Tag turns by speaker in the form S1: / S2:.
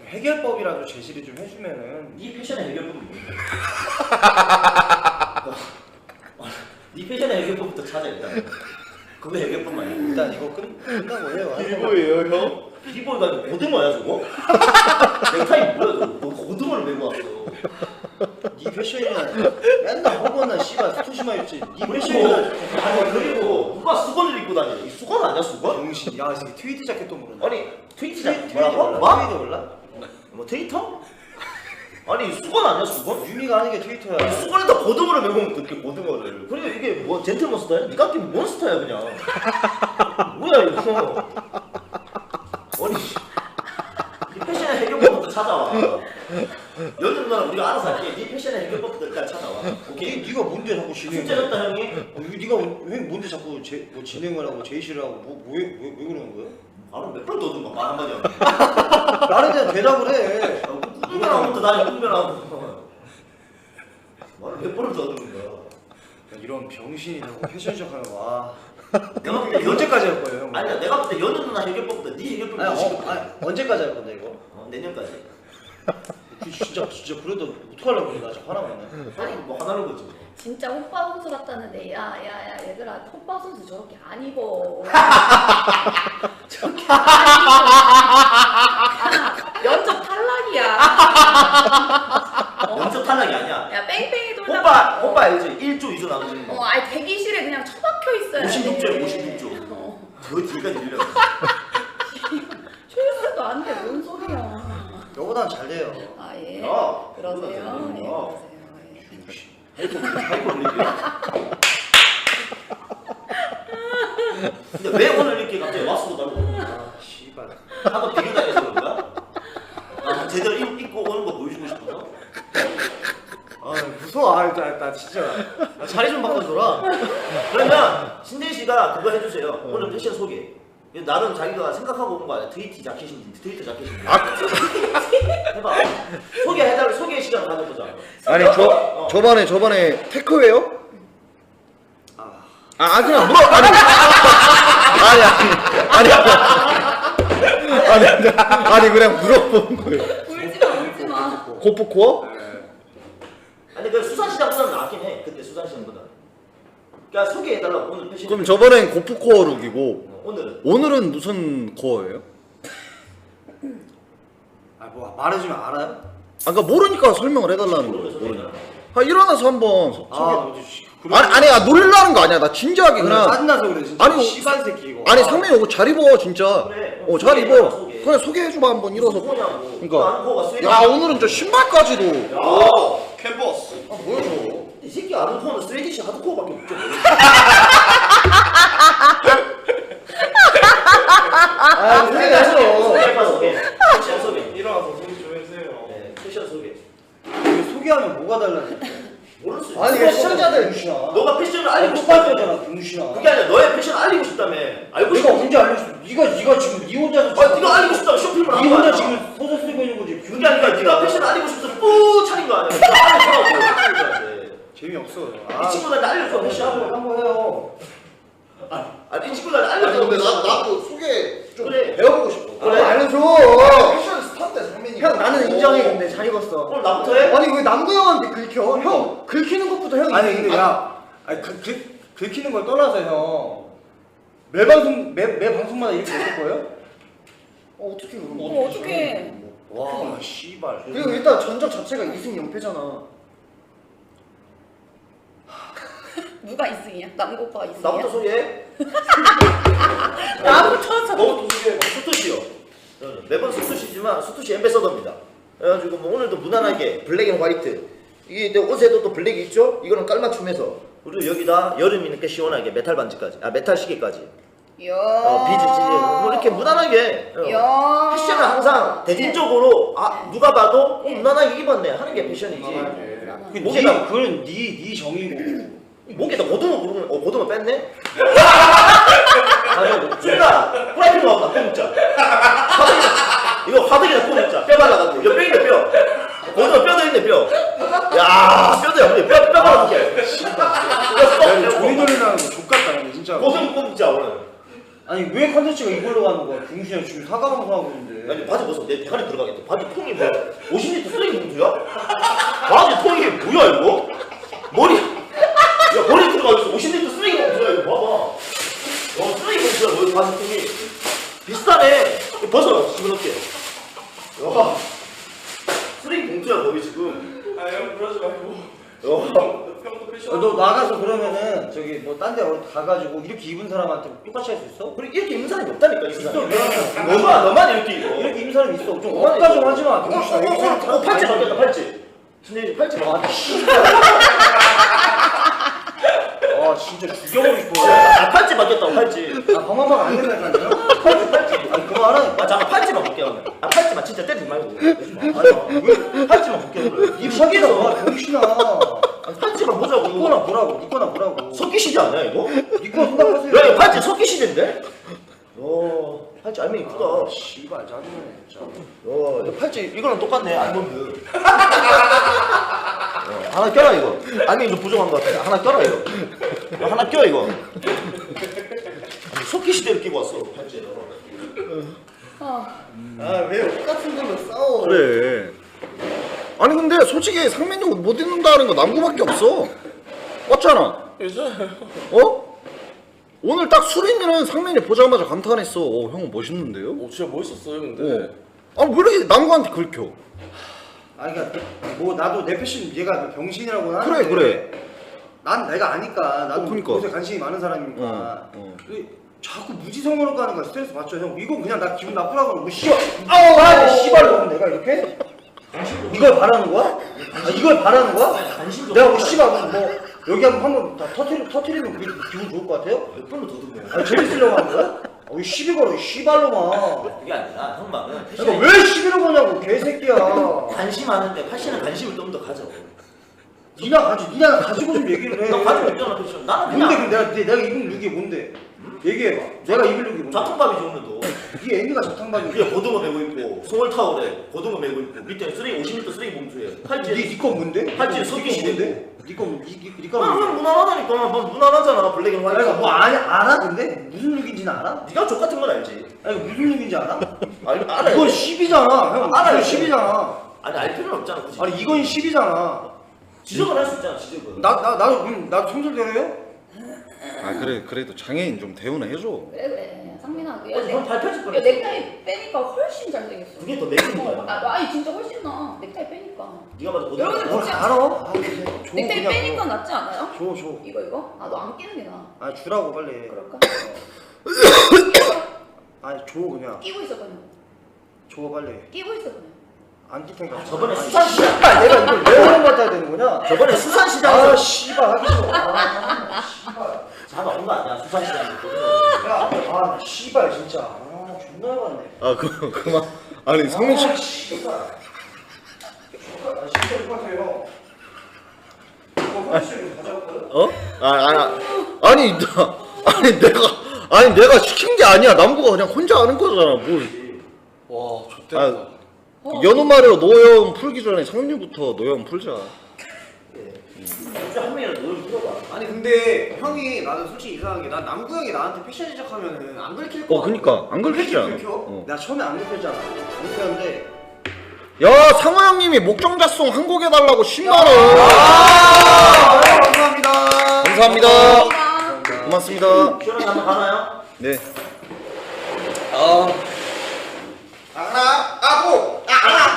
S1: 해결법이라도 제시를 좀 해주면은.
S2: 네 패션의 해결법은 뭐야? 네 패션의 해결법부터 찾아 일단. 그거 해결법만 해.
S1: 일단 이거 끝나고 해요.
S3: 비보예요 형?
S2: 비보이가 고등어야 저거? 넥타이 뭐야 저거? 너 고등어를 메고 왔어.
S1: 네 패션이나 맨날 허거나 씨발 스토시마 입지. 네
S2: 그리고
S1: 패션이나
S2: 아니 그리고 누가 수건을 입고 다녀? 이 수건 아니야 수건?
S1: 정신. 야, 이 트위드 자켓도 모르네.
S2: 아니 트위터
S1: 트위드
S2: 뭐라고?
S1: 몰라?
S2: 뭐?
S1: 트위드 몰라?
S2: 뭐 트위터? 아니 수건 아니야 수건?
S1: 유미가 하는 게 트위터야.
S2: 아니 수건에다 고등어를 메고 오면 어떻게 고등어를? 그리고 이게 뭐 젠틀몬스터야? 니가 끼면 몬스터야 그냥. 뭐야 이거? 아니 이 패션의 해결법부터 찾아와. 여느 누나는 우리가 알아서 할게. 네 패션의 해결법부터 일단 찾아와. 오케이?
S1: 네가 뭔데 자꾸 진행?
S2: 숙제였다 형이?
S1: 네가 왜 뭔데 자꾸 뭐 진행을 하고 제시를 하고 왜 그러는 거야?
S2: 바로 몇 번 더듬어 말 한마디 하면.
S1: 말에 대한 대답을 해.
S2: 꿈변하고부터 다니 꿈변하고. 말을 몇 번을 더듬는 거야.
S1: 이런 병신이 자꾸 패션쇼 하는 거. 와.
S2: 내가 볼 때
S1: 언제까지 할 거예요, 형?
S2: 아니야 내가 볼 때 여느 누나 해결법보다 네 해결법이 더 쉽거든.
S1: 아니, 언제까지 할 건데 이거?
S2: 내년까지.
S1: 진짜 그래도 어떡하려고 그래. 나 진짜 화나겠네.
S2: 아니 뭐 하나는 거지.
S4: 진짜 호빠 선수 같다는데 야야야 얘들아 호빠 선수 저렇게 안 입어. 저렇게 안 입어. 연적 탈락이야.
S2: 연습 탈락이 아니야.
S4: 야 뺑뺑이 돌다가
S2: 오빠 알지? 1조 2조 나눠지는 거.
S4: 아니 대기실에 그냥 처박혀 있어야 돼.
S2: 56조야 56조. 저 뒤까지 밀려.
S4: 출세도 안 돼. 뭔 소리야.
S1: 너보단 잘 돼요.
S4: 아 예.
S2: 야,
S4: 그러세요. 예,
S2: 야.
S4: 그러세요. 예.
S2: 하이퍼 올리기야. 근데 왜 오늘 이렇게 갑자기 왔어 달고?
S1: 아, 씨발.
S2: 하도 비교당해서 그런가? 아, 제대로 입고 오는 거 보여주고 싶어서?
S1: 아, 무서워. 나 진짜. 나 자리 좀 바꿔줘라.
S2: 그러면 신대희 씨가 그거 해주세요. 오늘 패션 소개. 나름 자기가 생각하고 온 거 아니야? 트위터 자켓인지 트위터 자켓인지. 해봐. 소개 시간을 가져보자.
S3: 아니 저번에 테크웨어? 그냥 물어 아니 그냥 물어본 거예요.
S4: 울지 마.
S3: 고프코어?
S2: 아니 그 수산시장보다는 낫긴 해. 그때 수산시장보다. 그러니까 소개해달라고 오늘 패션.
S3: 그럼 저번엔 고프코어 룩이고
S2: 오늘은
S3: 무슨 코어예요?
S1: 뭐 말해주면 알아요?
S3: 그러니까 모르니까 설명을 해달라는 거예요. 모르니까. 일어나서 한번 소개. 아니 놀라는 거 아니야. 나 진지하게 그냥.
S1: 짜증나서 그래 진짜.
S3: 아니,
S1: 씨발 새끼 이거.
S3: 아니 상민이 이거 잘 입어 진짜.
S2: 그래.
S3: 잘 입어.
S2: 소개.
S3: 그냥 소개해줘봐 한번 일어서.
S2: 뭐냐고.
S3: 그러니까. 야 오늘은 저 신발까지도.
S1: 캔버스.
S3: 뭐야 저거?
S2: 이 새끼 아는 코어는 스트레이티시 하드코어밖에 없죠. 소개. 패션 소개.
S1: 일어나서 소개 좀 해주세요.
S2: 네, 패션 소개.
S1: 소개하면 뭐가 달라져?
S2: 모를 수 있어.
S1: 아니 이게 시청자들 병신아.
S2: 너가 패션을 알리고
S1: 똑같은
S2: 싶다며.
S1: 거잖아 병신아.
S2: 그게 아니라 너의 패션을 알리고 싶다며. 알고
S1: 내가
S2: 싶어.
S1: 언제 알려줬어? 네가 지금 네 혼자서.
S2: 네가 알리고 싶다고 쇼핑을
S1: 네
S2: 한 거야.
S1: 혼자 지금 소설 쓰고 있는 거지.
S2: 그게 아니라 네가 패션을 알리고 싶어서 뿌 차린 거 아니야. 네가 알려주라고.
S1: 재미없어.
S2: 이 친구들한테 알려줘 패션.
S1: 한번 해요.
S2: 아니 이 친구들한테 알려줘.
S3: 나도 소개 좀
S2: 그래.
S3: 배워보고 싶어.
S2: 그래.
S1: 알려줘.
S3: 패션 스타인데 상민이.
S1: 형 나는 인정해 근데 잘 입었어.
S2: 오늘 나부터 해?
S1: 아니 왜 남구 형한테 긁혀? 형 긁히는 것부터 형이. 아니 근데 아니 긁히는 걸 떠나서 형 매 방송마다 이렇게 될 거예요? 어떻게 그런 거?
S4: 어떻게?
S1: 와 씨발.
S5: 그리고 일단 전적 자체가 2승 0패잖아.
S4: 누가 2승이야? 남고 오빠가 2승이야?
S2: 나부터 소개해.
S4: 나부터
S2: 너부터 소개해. 수투시요. 매번 수투시지만 수투시 엠베서더입니다. 그래가지고 뭐 오늘도 무난하게 블랙 앤 화이트. 이게 내 옷에도 또 블랙이 있죠? 이거는 깔맞춤해서 그리고 여기다 여름이니까 시원하게 메탈 반지까지, 메탈 시계까지.
S4: 야.
S2: 비즈 찌개. 뭐 이렇게 무난하게.
S4: 야.
S2: 패션은 항상 대중적으로 누가 봐도 무난하게 입었네 하는 게 패션이지. 목에다
S1: 그건 네 정의고.
S2: 목에다 고등어 부르면 고등어 뺐네? 순간 프라이팬 나온다 뼈 먹자. 이거 화덕에다 뼈 먹자. 뼈 발라가지고 이거 뼈인데 뼈. 고등어 뼈도 있네 뼈. 야 뼈도야 우리 뼈 발라줄게.
S1: 조리 돌리라는 거 족같다 근데 진짜.
S2: 고등어 뼈 먹자 오늘.
S1: 아니 왜 컨텐츠가 이걸로 가는 거야? 병신아 지금 사과 방송하고 있는데.
S2: 아니 바지 벗어 내 대가리 들어가겠다. 바지 통이 뭐야? 50리터 쓰레기 봉투야? 바지 통이 뭐야 이거? 머리 야 머리 들어가 있어. 50리터 쓰레기 봉투야 이거 봐봐. 쓰레기 봉투야 너 바지 통이 비슷하네. 이거 벗어 시끄럽게. 야 쓰레기 봉투야 거기 지금.
S6: 형 그러지 말고. 형도 패션.
S1: 너 나가서 그러면은 저기 뭐 딴 데 가가지고 이렇게 입은 사람한테 똑같이 할 수 있어?
S2: 우리 이렇게 입는 사람이 없다니까 이
S1: 있어.
S2: 세상에. 너만 이렇게 입어.
S1: 이렇게 입은 사람이 있어. 좀 억까 좀 하지 마. 병신아. 여기 사람
S2: 팔찌 바뀌었다 팔찌. 진짜 팔찌 봐.
S1: 아 진짜 죽여버리고 싶어.
S2: 아 팔찌 바뀌었다고 팔찌.
S1: 아 방황방 안 된다니까요?
S2: 팔찌.
S1: 아니 그거 알아?
S2: 아 잠깐 팔찌만 볼게 그러면. 아 팔찌만 진짜 때리지 말고. 아니 팔찌만 볼게 그래.
S1: 이 사기다 와 병신아.
S2: 아니, 팔찌만 보자고.
S1: 니꺼나 보라고. 니꺼나 보라고.
S2: 석기시대 아니야 이거?
S1: 니꺼 생각하세요.
S2: 야 이거 팔찌 석기시대인데? 팔찌 알맹이 크다.
S1: 씨발 짜증나네 진짜.
S2: 이거 팔찌 이거랑 똑같네 알몬드. 하나 껴라 이거. 알맹이 좀 부족한 것 같아. 하나 껴라 이거. 하나 껴 이거. 석기시대를 끼고 왔어 팔찌.
S1: 아왜 똑같은 걸로 싸워?
S3: 그래. 아니 근데 솔직히 상민이 옷 못 입는다는 거 남구밖에 없어. 맞잖아.
S6: 괜찮아요.
S3: 어? 오늘 딱 수린이는 상민이 보자마자 감탄했어. 형은 멋있는데요?
S6: 진짜 멋있었어요 근데.
S3: 아니 왜 이렇게 남구한테 긁혀?
S1: 아니 그러니까 뭐 나도 내 패션 얘가 병신이라고 하는데
S3: 그래.
S1: 난 내가 아니까 나도
S3: 그러니까.
S1: 옷에 관심이 많은 사람이니까 근데 자꾸 무지성으로 가는 거야. 스트레스 받죠 형. 이거 그냥 나 기분 나쁘라고 하면 뭐 씨발 아우 씨발로 내가 이렇게? 이걸 바라는 거야? 아, 이걸 바라는 거야? 내가 뭐 씨발 뭐 여기 한번 다 터트리면 그게 기분 좋을 것 같아요?
S2: 몇 번을 더듬네.
S1: 아 재밌으려고 하는 거야? 이 시비 걸어 이 씨발로만.
S2: 그게 아니라 형만은
S1: 그러니까 왜 시비를 거냐고 개새끼야.
S2: 관심 많은데 패션에 관심을 좀 더 가져.
S1: 니나 가지고 좀 얘기를 해.
S2: 너 가지고 있잖아 패션. 나는
S1: 뭔데
S2: 그냥
S1: 근데 내가 입은 룩이 뭔데? 얘기해봐. 내가 입은 룩이 뭔데?
S2: 자통밥이지 오늘도.
S1: 네 애미가 자탕반이.
S2: 위에 고등어 메고 있고 송월 타월에 고등어 메고 있고 밑에 쓰레기 50리터 쓰레기 봉투에 팔찌에.
S1: 니거 뭔데?
S2: 팔찌에 섞이시
S1: 뭔데? 니거 니거
S2: 아, 그냥 무난하다니까. 뭐 무난하잖아 블랙 앤 화이트.
S1: 내가 뭐 알아 근데 무슨 룩인지는 알아?
S2: 네가 족 같은 건 알지.
S1: 아니 무슨 룩인지 알아?
S2: 알아.
S1: 이건 10이잖아 형.
S2: 알아요.
S1: 이건 10이잖아.
S2: 아니 알 필요는 없잖아 굳이.
S1: 아니 이건 10이잖아.
S2: 지적은 할 수 있잖아 지적은.
S1: 나도 성질대로요?
S3: 아 그래 그래도 장애인 좀 대우는 해줘.
S4: 그래 상민아 그
S2: 형 발표질
S4: 야,
S2: 뻔했어.
S4: 넥타이 빼니까 훨씬 잘생겼어.
S2: 그게 더 매끈한 거야.
S4: 아니 진짜 훨씬 나. 넥타이 빼니까.
S2: 네가 봐도 고등어.
S4: 여러분들
S1: 뭘
S4: 진짜-
S1: 알아? 아, 근데 줘,
S4: 넥타이
S1: 그냥
S4: 빼니까
S1: 줘.
S4: 낫지 않아요?
S1: 줘.
S4: 이거? 아 너 안 끼는 게 나아.
S1: 아 주라고 빨리.
S4: 그럴까?
S1: 아니 줘 그냥.
S4: 끼고 있어 그냥.
S1: 줘 빨리.
S4: 끼고 있어 그냥.
S1: 안 끼텐가.
S2: 저번에 수산시장.
S1: 아 내가 이걸 왜 오는 받아야 되는 거냐?
S2: 저번에 수산시장에서
S1: 아 씨발 하기 싫어. 아 씨발.
S2: 자가 온거 아니야 수산시장에.
S1: 아 씨발 진짜. 아 존나 해봤네.
S3: 아 그만. 아니 상민 씨.
S1: 아 씨발. 아 진짜 똑같아요. 이거 화장실 가져왔거든.
S3: 어? 아니 내가 시킨 게 아니야. 남구가 그냥 혼자 하는 거잖아. 뭘?
S6: 와 좋겠다.
S3: 연우마려 노여움 풀기 전에 상류부터 노여움 풀자.
S2: 진짜 한 명이라도 노래 들어봐.
S5: 아니 근데 형이 나는 솔직히 이상한 게 난 남구 형이 나한테 패션 시작하면은 안 긁힐 거
S3: 그니까 안 긁히지 않아.
S5: 긁혀?
S1: 나 처음에 안 느꼈잖아. 안 느꼈는데.
S3: 야 상호 형님이 목정자송 한 곡 해달라고 10만 원.
S1: 감사합니다.
S3: 감사합니다.
S4: 감사합니다.
S3: 고맙습니다.
S2: 시원하게 한번 가나요?
S3: 네.
S5: 하나 아고